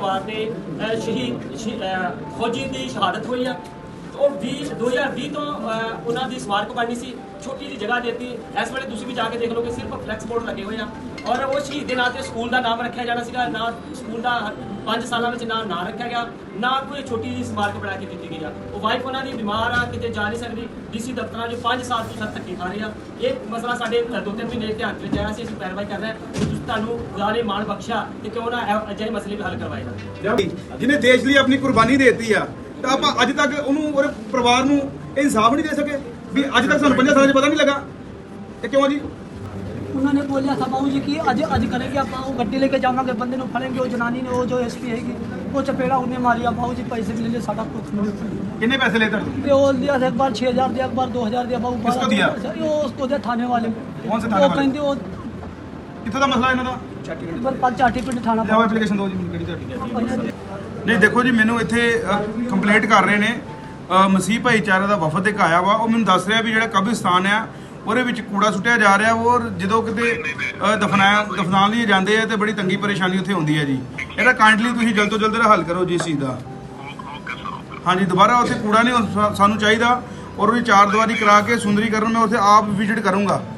ਪਰਿਵਾਰ ਦੇ ਸ਼ਹੀਦ ਫੌਜੀ ਦੀ ਸ਼ਹਾਦਤ ਹੋਈ ਆ। ਉਹ 2020 ਤੋਂ ਉਹਨਾਂ ਦੀ ਸਮਾਰਕ ਬਣਨੀ ਸੀ, ਛੋਟੀ ਜਿਹੀ ਜਗ੍ਹਾ ਦੇਤੀ। ਇਸ ਵੇਲੇ ਤੁਸੀਂ ਵੀ ਜਾ ਕੇ ਦੇਖ ਲਓ ਕਿ ਸਿਰਫ ਫਲੈਕਸ ਬੋਰਡ ਲੱਗੇ ਹੋਏ ਆ। ਔਰ ਉਹ ਸ਼ਹੀਦ ਦੇ ਨਾਂ ਤੇ ਸਕੂਲ ਦਾ ਨਾਮ ਰੱਖਿਆ ਜਾਣਾ ਸੀਗਾ, ਨਾ ਸਕੂਲ ਦਾ 5 ਸਾਲਾਂ ਵਿੱਚ ਨਾਂ ਰੱਖਿਆ ਗਿਆ, ਨਾ ਕੋਈ ਛੋਟੀ ਜਿਹੀ ਸਮਾਰਕ ਬਣਾ ਕੇ ਦਿੱਤੀ ਗਈ ਆ। ਉਹ ਵਾਈਫ ਉਹਨਾਂ ਦੀ ਬਿਮਾਰ ਆ, ਕਿਤੇ ਜਾ ਨਹੀਂ ਸਕਦੀ। ਡੀਸੀ ਦਫ਼ਤਰਾਂ 'ਚ 5 ਸਾਲ ਤੋਂ ਧੱਕੇ ਖਾ ਰਹੇ ਆ। ਇਹ ਮਸਲਾ ਸਾਡੇ 2-3 ਮਹੀਨੇ ਧਿਆਨ ਵਿੱਚ ਆਇਆ ਸੀ, ਅਸੀਂ ਕਾਰਵਾਈ ਕਰ ਰਹੇ ਹਾਂ। ਤੁਸੀਂ ਤੁਹਾਨੂੰ ਖੁਦਾ ਨੇ ਮਾਣ ਬਖਸ਼ਿਆ ਤੇ ਕਿਉਂ ਨਾ ਅਜਿਹੇ ਮਸਲੇ ਵੀ ਹੱਲ ਕਰਵਾਏ ਜਾਣ। ਜਿਹਨੇ ਦੇਸ਼ ਲਈ ਆਪਣੀ ਕੁਰਬਾਨੀ ਦੇਤੀ ਆ, ਤਾਂ ਆਪਾਂ ਅੱਜ ਤੱਕ ਉਹਨੂੰ ਉਹਦੇ ਪਰਿਵਾਰ ਨੂੰ ਇਨਸਾਫ ਨਹੀਂ ਦੇ ਸਕੇ ਵੀ ਅੱਜ ਤੱਕ ਸਾਨੂੰ 5 ਸਾਲਾਂ 'ਚ ਪਤਾ नहीं लगा। ਇਹ ਕਿਉਂ ਜੀ? उन्होंने बोलिया था बाबू जी की अज करेंगे, आप वो गड्डी लेके जावांगे, बंदे को फड़ेंगे। वो जनानी ने, वो जो एसपी हैगी, वो चपेड़ा उन्हें मारिया। बाबू जी पैसे भी ले लिए, सारा कुछ कितने पैसे लेते हो? वो दिया था, एक बार 6,000 दिया, एक बार 2,000 दिया। बाबू किसको दिया? वो उसको दिया थाने वाले। कौन से थाने वाले? वो कितना दा मसला ਇਹਨਾਂ ਦਾ? चाटी पिंड थाना। ਲਿਆਓ ਐਪਲੀਕੇਸ਼ਨ ਦਿਓ ਜੀ ਮੈਨੂੰ ਕਿਹੜੀ ਤੁਹਾਡੀ। ਨਹੀਂ ਦੇਖੋ ਜੀ, ਮੈਨੂੰ ਇੱਥੇ ਕੰਪਲੇਂਟ ਕਰ ਰਹੇ ਨੇ ਮਸੀਹ ਭਾਈਚਾਰੇ ਦਾ ਵਫਦ ਇੱਕ ਆਇਆ ਵਾ। ਉਹ ਮੈਨੂੰ ਦੱਸ ਰਿਹਾ ਵੀ ਜਿਹੜਾ ਕਬਰਿਸਤਾਨ ਆ ਉਹਦੇ ਵਿੱਚ ਕੂੜਾ ਸੁੱਟਿਆ ਜਾ ਰਿਹਾ। ਔਰ ਜਦੋਂ ਕਿਤੇ ਦਫਨਾਉਣ ਲਈ ਜਾਂਦੇ ਆ ਤੇ ਬੜੀ ਤੰਗੀ ਪਰੇਸ਼ਾਨੀ ਉੱਥੇ ਹੁੰਦੀ ਹੈ ਜੀ। ਇਹਦਾ ਕਾਈਂਡਲੀ ਤੁਸੀਂ ਜਲਦ ਤੋਂ ਜਲਦ ਹੱਲ ਕਰੋ ਜੀ ਇਸ ਚੀਜ਼ ਦਾ। ਹਾਂਜੀ, ਦੁਬਾਰਾ ਉੱਥੇ ਕੂੜਾ ਨਹੀਂ ਸਾਨੂੰ ਚਾਹੀਦਾ। ਔਰ ਉਹਦੀ 4 ਦੀਵਾਰੀ ਕਰਾ ਕੇ ਸੁੰਦਰੀਕਰਨ ਮੈਂ ਉੱਥੇ ਆਪ ਵਿਜ਼ਿਟ ਕਰੂੰਗਾ।